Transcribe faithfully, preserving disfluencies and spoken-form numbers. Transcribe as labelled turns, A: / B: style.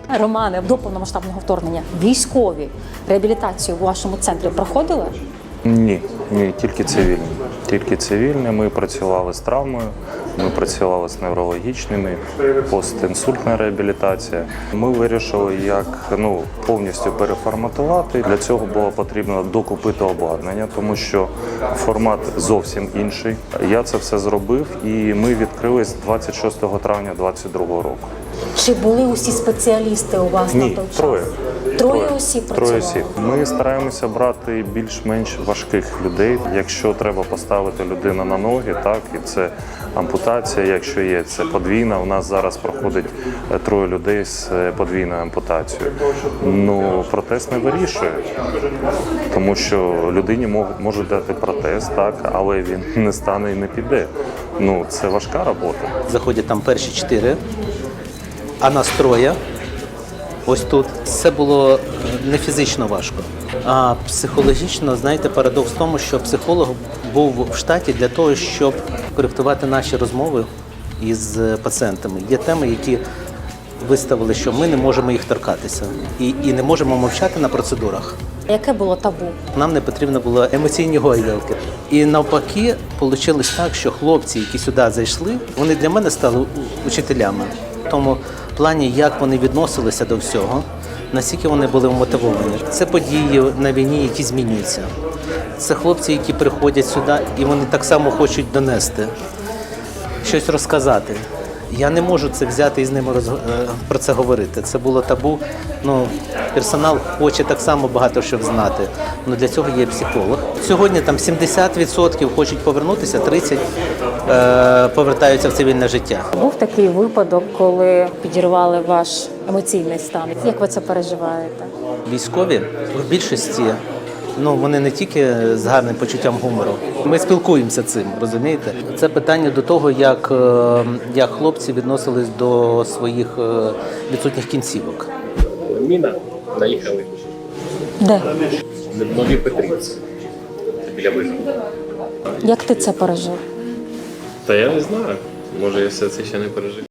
A: Романе, до повномасштабного вторгнення військові реабілітацію в вашому центрі проходили?
B: Ні, ні, тільки цивільні. Тільки цивільні. Ми працювали з травмою, ми працювали з неврологічними, постінсультна реабілітація. Ми вирішили, як ну, повністю переформатувати. Для цього було потрібно докупити обладнання, тому що формат зовсім інший. Я це все зробив, і ми відкрились двадцять шостого травня двадцять другого року.
A: Чи були усі спеціалісти у вас
B: Ні,
A: на той час?
B: троє.
A: Троє осіб працювали?
B: Троє осіб. Ми стараємося брати більш-менш важких людей. Якщо треба поставити людину на ноги, так, і це ампутація, якщо є, це подвійна. У нас зараз проходить троє людей з подвійною ампутацією. Ну, протез не вирішує, тому що людині можуть дати протез, так, але він не стане і не піде. Ну, це важка робота.
C: Заходять там перші чотири, а нас троє. Ось тут. Це було не фізично важко, а психологічно, знаєте, парадокс в тому, що психолог був в штаті для того, щоб коректувати наші розмови із пацієнтами. Є теми, які виставили, що ми не можемо їх торкатися і, і не можемо мовчати на процедурах.
A: Яке було табу?
C: Нам не потрібно було емоційні гойдалки. І навпаки, вийшло так, що хлопці, які сюди зайшли, вони для мене стали учителями. В тому плані, як вони відносилися до всього, наскільки вони були вмотивовані. Це події на війні, які змінюються. Це хлопці, які приходять сюди, і вони так само хочуть донести, щось розказати. Я не можу це взяти і з ними роз... про це говорити. Це було табу. Ну, персонал хоче так само багато що знати. Ну, для цього є психолог. Сьогодні там сімдесят відсотків хочуть повернутися, тридцять відсотків е- повертаються в цивільне життя.
A: Був такий випадок, коли підірвали ваш емоційний стан. Як ви це переживаєте?
C: Військові в більшості, ну, вони не тільки з гарним почуттям гумору. Ми спілкуємося цим, розумієте? Це питання до того, як, як хлопці відносились до своїх відсутніх кінцівок.
D: Міна наїхали.
A: Де?
D: В Новій Петрівці. Біля виходу.
A: Як ти це пережив?
D: Та я не знаю. Може, я все це ще не пережив.